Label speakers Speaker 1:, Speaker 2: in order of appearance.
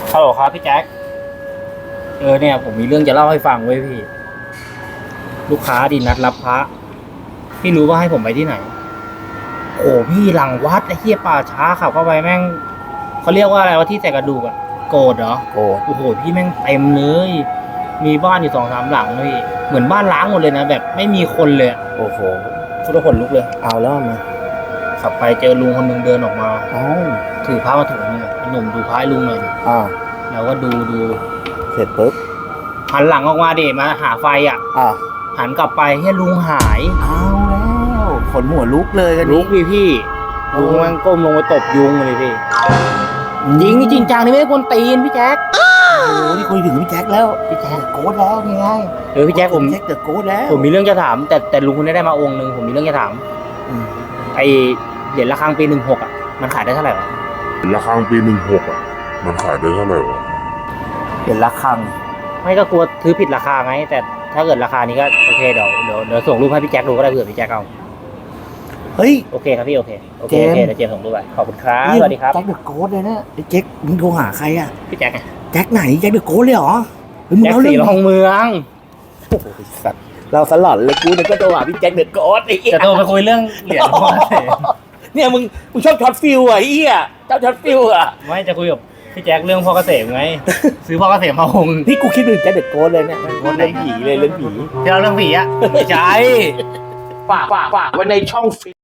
Speaker 1: ฮัลโหลครับพี่แจ็คเนี่ยผมมีเรื่องจะเล่าให้ฟังเว้ยพี่ ลูกค้าดีนัดรับพระพี่รู้ว่าให้ผมไปที่ไหนโอ้พี่หลังวัดไอ้เหี้ยป่าช้าขับเข้าไปแม่งเขาเรียกว่าอะไรวะที่ใส่กระดูกอะโกรธเหรอ
Speaker 2: โอ้
Speaker 1: โอ้โหพี่แม่งเต็มเลยมีบ้านอยู่2-3 หลังเลยพี่เหมือนบ้านล้างหมดเลยนะแบบไม่มีคนเลย
Speaker 2: โอ้โห
Speaker 1: ชุดขนลุกเลย
Speaker 2: เอาแล้วมา
Speaker 1: ขับไปเจอลุงคนหนึงเดินออกมา
Speaker 2: เอ้า
Speaker 1: ถือพระมาถุงนึงหนุ่มดูพระให้ลุงหน่อยดิแล้วก็ดู
Speaker 2: เสร็จปุ๊บ
Speaker 1: หันหลังออกมาดิมาหาไฟอ่ะหันกลับไปให้ลุงหาย
Speaker 2: เอาแล้วขนหัวลุกเลยกัน
Speaker 1: ลุกพี่ลุงมันก้มลงไปตบยุงเลยพี่จริงนี่จริงจังนี่ไม่ได้กวนตีนพี่แจ๊ค
Speaker 2: โอ้โหนี่คุยถึงพี่แจ็คแล้วพี่แจ็คโกดแล้วนี่ไง
Speaker 1: พี่แจ๊คผม
Speaker 2: แจ็คเดอะโกดแล้ว
Speaker 1: ผมมีเรื่องจะถามแต่ลุงคนนี้ได้มาองค์นึงผมมีเรื่องจะถามไอเหรียญระฆังปี16อ่ะมันขายได้เท่าไหร่วะ
Speaker 3: ระฆังปี16อ่ะมันขายได้เท่าไหร่วะ
Speaker 2: เห็นระฆัง
Speaker 1: ไม่ก็กลัวซื้อผิดราคาไงแต่ถ้าเกิดราคานี้ก็โอเคเดี๋ยวส่งรูปให้พี่แจ็คดูก็ได้เผื่อพี่แจ็คเอา
Speaker 2: เฮ้ย
Speaker 1: โอเคครับพี่โอเคเดี๋ยวเจมส่งรูปไปขอบคุณครับสวัสดีครับ
Speaker 2: แจ็คเดอะโกดเลยนะไอ้แจ็คมึงโทรหาใครอ่ะ
Speaker 1: พี่แจ็คไง
Speaker 2: แจ็คไหนแจ็คเดอะโกดเลยเหรอ
Speaker 1: แจ็คสีรองเมือง
Speaker 2: โอ้โหสัตว์เราสลอดเลยกูเนี่ยก็โทรหาพี่แจ็คเดอะโกดไอ้
Speaker 1: จะโทรไปคุยเรื่องเหรียญพ่อเสม
Speaker 2: เนี่ยมึงชอบช็อตฟิลอ่ะไอ้เหี้ยชอบช็อตฟิลอ่ะ
Speaker 1: ไม่จะคุยกับพี่แจ็คเรื่องพ่อเกษมไงซื้อพ่อเกษมมาองค์
Speaker 2: พี่กูคิดถึงแจ็คเดอะโกดเลยเนี่ยเรื่องผีเลยเรื่องผี
Speaker 1: ที่เราเรื่องผีอ่ะ
Speaker 2: ไม่ใช่ฝากไว้ในช่อง